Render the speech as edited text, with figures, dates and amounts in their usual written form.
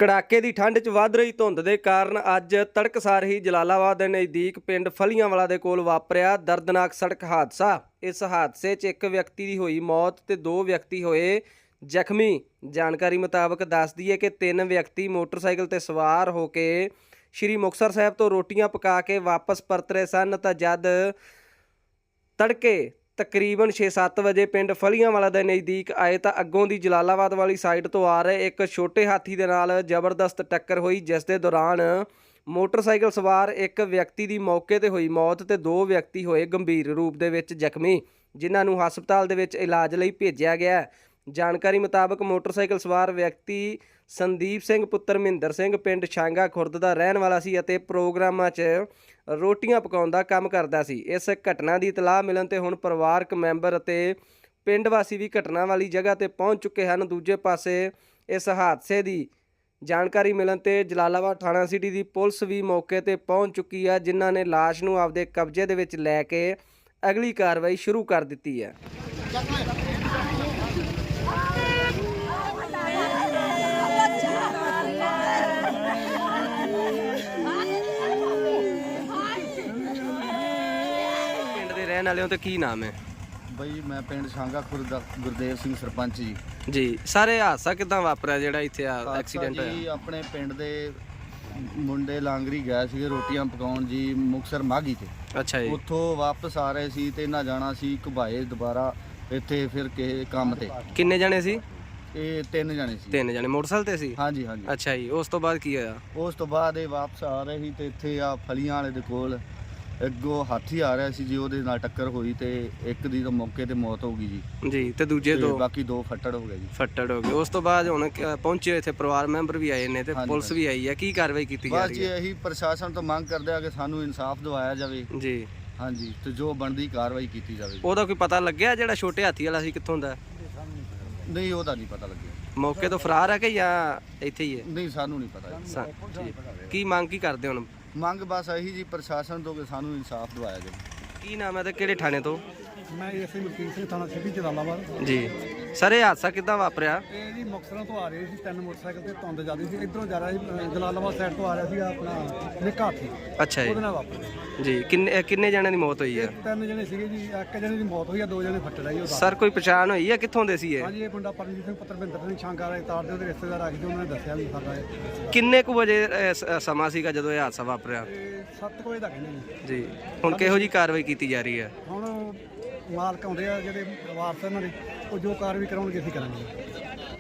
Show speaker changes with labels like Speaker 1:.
Speaker 1: ਕੜਾਕੇ ਦੀ ਠੰਡ 'ਚ ਵੱਧ ਰਹੀ ਧੁੰਦ ਦੇ ਕਾਰਨ ਅੱਜ ਤੜਕਸਾਰ ਹੀ ਜਲਾਲਾਬਾਦ ਦੇ ਨਜ਼ਦੀਕ ਪਿੰਡ ਫਲੀਆਂਵਾਲਾ ਦੇ ਕੋਲ ਵਾਪਰਿਆ ਦਰਦਨਾਕ ਸੜਕ ਹਾਦਸਾ। ਇਸ ਹਾਦਸੇ 'ਚ ਇੱਕ ਵਿਅਕਤੀ ਦੀ ਹੋਈ ਮੌਤ ਤੇ 2 ਵਿਅਕਤੀ ਹੋਏ ਜ਼ਖਮੀ। ਜਾਣਕਾਰੀ ਮੁਤਾਬਕ ਦੱਸਦੀ ਹੈ ਕਿ 3 ਵਿਅਕਤੀ ਮੋਟਰਸਾਈਕਲ ਤੇ ਸਵਾਰ ਹੋ ਕੇ ਸ਼੍ਰੀ ਮੁਕਤਸਰ ਸਾਹਿਬ ਤੋਂ ਰੋਟੀਆਂ ਪਕਾ ਕੇ ਵਾਪਸ ਪਰਤ ਰਹੇ ਸਨ ਤਾਂ ਜਦ ਤੜਕੇ ਤਕਰੀਬਨ 6-7 ਵਜੇ ਪਿੰਡ ਫਲੀਆਂਵਾਲਾ ਦੇ ਨਜ਼ਦੀਕ ਆਏ ਤਾਂ ਅੱਗੋਂ ਦੀ ਜਲਾਲਾਬਾਦ ਵਾਲੀ ਸਾਈਡ ਤੋਂ ਆ ਰਹੇ ਇੱਕ ਛੋਟੇ ਹਾਥੀ ਦੇ ਨਾਲ ਜ਼ਬਰਦਸਤ ਟੱਕਰ ਹੋਈ, ਜਿਸ ਦੇ ਦੌਰਾਨ ਮੋਟਰਸਾਈਕਲ ਸਵਾਰ ਇੱਕ ਵਿਅਕਤੀ ਦੀ ਮੌਕੇ ਤੇ ਹੋਈ ਮੌਤ ਤੇ 2 ਵਿਅਕਤੀ ਹੋਏ ਗੰਭੀਰ ਰੂਪ ਦੇ ਵਿੱਚ ਜ਼ਖਮੀ, ਜਿਨ੍ਹਾਂ ਨੂੰ ਹਸਪਤਾਲ ਦੇ ਵਿੱਚ ਇਲਾਜ ਲਈ ਭੇਜਿਆ ਗਿਆ। ਜਾਣਕਾਰੀ ਮੁਤਾਬਕ ਮੋਟਰਸਾਈਕਲ ਸਵਾਰ ਵਿਅਕਤੀ ਸੰਦੀਪ ਸਿੰਘ ਪੁੱਤਰ ਮਹਿੰਦਰ ਸਿੰਘ ਪਿੰਡ ਛਾਂਗਾ ਖੁਰਦ ਦਾ ਰਹਿਣ ਵਾਲਾ ਸੀ ਅਤੇ ਪ੍ਰੋਗਰਾਮਾਂ 'ਚ ਰੋਟੀਆਂ ਪਕਾਉਣ ਦਾ ਕੰਮ ਕਰਦਾ ਸੀ। ਇਸ ਘਟਨਾ ਦੀ ਇਤਲਾਹ ਮਿਲਣ ਤੇ ਹੁਣ ਪਰਿਵਾਰਕ ਮੈਂਬਰ ਅਤੇ ਪਿੰਡ ਵਾਸੀ ਵੀ ਘਟਨਾ ਵਾਲੀ ਜਗ੍ਹਾ ਤੇ ਪਹੁੰਚ ਚੁੱਕੇ ਹਨ। ਦੂਜੇ ਪਾਸੇ ਇਸ ਹਾਦਸੇ ਦੀ ਜਾਣਕਾਰੀ ਮਿਲਣ ਤੇ ਜਲਾਲਾਬਾਦ ਥਾਣਾ ਸਿਟੀ ਦੀ ਪੁਲਿਸ ਵੀ ਮੌਕੇ ਤੇ ਪਹੁੰਚ ਚੁੱਕੀ ਹੈ, ਜਿਨ੍ਹਾਂ ਨੇ ਲਾਸ਼ ਨੂੰ ਆਪਦੇ ਕਬਜ਼ੇ ਦੇ ਵਿੱਚ ਲੈ ਕੇ ਅਗਲੀ ਕਾਰਵਾਈ ਸ਼ੁਰੂ ਕਰ ਦਿੱਤੀ ਹੈ। ਰਹਿਣ ਵਾਲਿਆਂ ਤੇ ਕੀ ਨਾਮ ਹੈ
Speaker 2: ਬਈ? ਮੈਂ ਪਿੰਡ ਛਾਂਗਾ ਖੁਰਦ ਦਾ ਗੁਰਦੇਵ ਸਿੰਘ ਸਰਪੰਚ ਜੀ।
Speaker 1: ਸਾਰੇ ਹਾਦਸਾ ਕਿਦਾਂ ਵਾਪਰਿਆ ਜਿਹੜਾ ਇੱਥੇ ਐਕਸੀਡੈਂਟ ਹੋਇਆ?
Speaker 2: ਜੀ ਆਪਣੇ ਪਿੰਡ ਦੇ ਮੁੰਡੇ ਲਾਂਗਰੀ ਗਏ ਸੀਗੇ ਰੋਟੀਆਂ ਪਕਾਉਣ ਜੀ ਮੁਕਤਸਰ ਮਾਘੀ ਤੇ।
Speaker 1: ਅੱਛਾ ਜੀ।
Speaker 2: ਉੱਥੋਂ ਵਾਪਸ ਆ ਰਹੇ ਸੀ ਤੇ ਇਹਨਾਂ ਜਾਣਾ ਸੀ ਘੁਬਾਏ ਦੁਬਾਰਾ ਇੱਥੇ ਫਿਰ ਕਿਸੇ ਕੰਮ ਤੇ।
Speaker 1: ਕਿੰਨੇ ਜਣੇ ਸੀ?
Speaker 2: ਇਹ 3 ਜਣੇ ਸੀ।
Speaker 1: 3 ਜਣੇ ਮੋਟਰਸਾਈਕਲ ਤੇ ਸੀ?
Speaker 2: ਹਾਂਜੀ ਹਾਂਜੀ।
Speaker 1: ਅੱਛਾ ਜੀ। ਉਸ ਤੋਂ ਬਾਅਦ ਕੀ ਹੋਇਆ?
Speaker 2: ਉਸ ਤੋਂ ਬਾਅਦ ਇਹ ਵਾਪਸ ਆ ਰਹੇ ਸੀ ਤੇ ਇੱਥੇ ਆ ਫਲੀਆਂ ਵਾਲੇ ਦੇ ਕੋਲ ਅੱਗੋਂ ਹਾਥੀ ਆ ਰਿਹਾ ਸੀ ਜੀ, ਉਹਦੇ ਨਾਲ ਟੱਕਰ ਹੋਈ ਤੇ ਇੱਕ ਦੀ ਤਾਂ ਮੌਕੇ ਤੇ ਮੌਤ ਹੋ ਗਈ ਜੀ
Speaker 1: ਤੇ ਦੂਜੇ 2
Speaker 2: ਬਾਕੀ 2 ਫੱਟੜ ਹੋ ਗਏ ਜੀ।
Speaker 1: ਫੱਟੜ ਹੋ ਗਏ। ਉਸ ਤੋਂ ਬਾਅਦ ਹੁਣ ਪਹੁੰਚੇ ਇੱਥੇ ਪਰਿਵਾਰ ਮੈਂਬਰ ਵੀ ਆਏ ਨੇ ਤੇ ਪੁਲਿਸ ਵੀ ਆਈ ਹੈ। ਕੀ ਕਾਰਵਾਈ ਕੀਤੀ ਜਾ
Speaker 2: ਬਸ
Speaker 1: ਰਹੀ
Speaker 2: ਜੀ
Speaker 1: ਹੈ?
Speaker 2: ਇਹੀ ਪ੍ਰਸ਼ਾਸਨ ਤੋਂ ਮੰਗ ਕਰਦੇ ਆ ਕਿ ਸਾਨੂੰ ਇਨਸਾਫ ਦਿਵਾਇਆ ਜਾਵੇ
Speaker 1: ਜੀ।
Speaker 2: ਹਾਂਜੀ, ਤੇ ਜੋ ਬਣਦੀ ਕਾਰਵਾਈ ਕੀਤੀ ਜਾਵੇ।
Speaker 1: ਉਹਦਾ ਕੋਈ ਪਤਾ ਲੱਗਿਆ ਜਿਹੜਾ ਛੋਟੇ ਹਾਥੀ ਵਾਲਾ ਸੀ ਕਿੱਥੋਂ ਦਾ?
Speaker 2: ਨਹੀਂ, ਉਹਦਾ ਨਹੀਂ ਪਤਾ ਲੱਗਿਆ।
Speaker 1: ਮੌਕੇ ਤੋਂ ਫਰਾਰ ਹੈ ਕਿ ਜਾਂ ਇੱਥੇ ਹੀ ਹੈ?
Speaker 2: ਨਹੀਂ, ਸਾਨੂੰ ਨਹੀਂ ਪਤਾ
Speaker 1: ਜੀ। ਕੀ ਮੰਗ ਕੀ ਕਰਦੇ ਹੁਣ?
Speaker 2: ਮੰਗ ਬਸ ਇਹੀ ਜੀ ਪ੍ਰਸ਼ਾਸਨ ਤੋਂ ਕਿ ਸਾਨੂੰ ਇਨਸਾਫ ਦਿਵਾਇਆ ਜਾਵੇ।
Speaker 1: ਕੀ ਨਾਮ ਹੈ ਤੇ ਕਿਹੜੇ ਥਾਣੇ ਤੋਂ?
Speaker 3: ਮੈਂ ਐਸਆਈ ਮਲਕੀਤ ਸਿੰਘ ਥਾਣਾ ਸਿਟੀ ਜਲਾਲਾਬਾਦ
Speaker 1: ਜੀ। ਸਰ ਇਹ ਹਾਦਸਾ ਕਿੱਦਾਂ ਵਾਪਰਿਆ?
Speaker 3: ਇਹ ਜੀ ਮੁਕਤਸਰਾਂ ਤੋਂ ਆ ਰਹੇ ਸੀ 3 ਮੋਟਰਸਾਈਕਲ ਤੇ ਧੁੰਦ ਜ਼ਿਆਦਾ ਸੀ, ਇਧਰੋਂ ਜਾ ਰਿਹਾ ਸੀ ਜਲਾਲਾਬਾਦ ਸਾਈਡ ਤੋਂ ਆ ਰਿਹਾ ਸੀ ਆਪਣਾ ਨਿੱਕਾ ਹਾਥੀ,
Speaker 1: ਅੱਛਾ ਜੀ।
Speaker 3: ਉਹਦੇ ਨਾਲ ਵਾਪਰਿਆ
Speaker 1: ਜੀ। ਕਿੰਨੇ ਜਣਿਆਂ ਦੀ ਮੌਤ ਹੋਈ ਹੈ?
Speaker 3: 3 ਜਣੇ ਸੀਗੇ ਜੀ, ਇੱਕ ਜਣੇ ਦੀ ਮੌਤ ਹੋਈ ਆ, 2 ਜਣੇ ਫੱਟੜ ਆਈ।
Speaker 1: ਸਰ ਕੋਈ ਪਛਾਣ ਹੋਈ ਹੈ ਕਿੱਥੋਂ ਦੇ ਸੀ ਇਹ?
Speaker 3: ਹਾਂਜੀ, ਇਹ ਮੁੰਡਾ ਪਰਮਜੀਤ ਸਿੰਘ ਪੁੱਤਰ ਮਹਿੰਦਰ ਸਿੰਘ ਛਾਂਗਾ ਵਾਲੇ ਤਾਰ ਦੇ ਉਹਦੇ ਰਿਸ਼ਤੇਦਾਰ ਆ ਗਏ, ਉਹਨਾਂ ਨੇ ਦੱਸਿਆ ਵੀ ਸਾਡਾ
Speaker 1: ਕਿੰਨੇ ਕੁ ਵਜੇ ਸਮਾਂ ਸੀਗਾ ਜਦੋਂ ਇਹ ਹਾਦਸਾ ਵਾਪਰਿਆ?
Speaker 3: 7 ਵਜੇ ਦਾ ਕਹਿੰਦੇ
Speaker 1: ਜੀ। ਹੁਣ ਕਿਹੋ ਜੀ ਕਾਰਵਾਈ ਕੀਤੀ ਜਾ ਰਹੀ ਹੈ?
Speaker 3: ਹੁਣ ਮਾਲਕ ਆਉਂਦੇ ਆ ਜਿਹੜੇ ਵਾਰਸ ਇਹਨਾਂ ਦੇ, ਉਹ ਜੋ ਕਾਰਵਾਈ ਕਰਾਉਣਗੇ ਅਸੀਂ ਕਰਾਂਗੇ।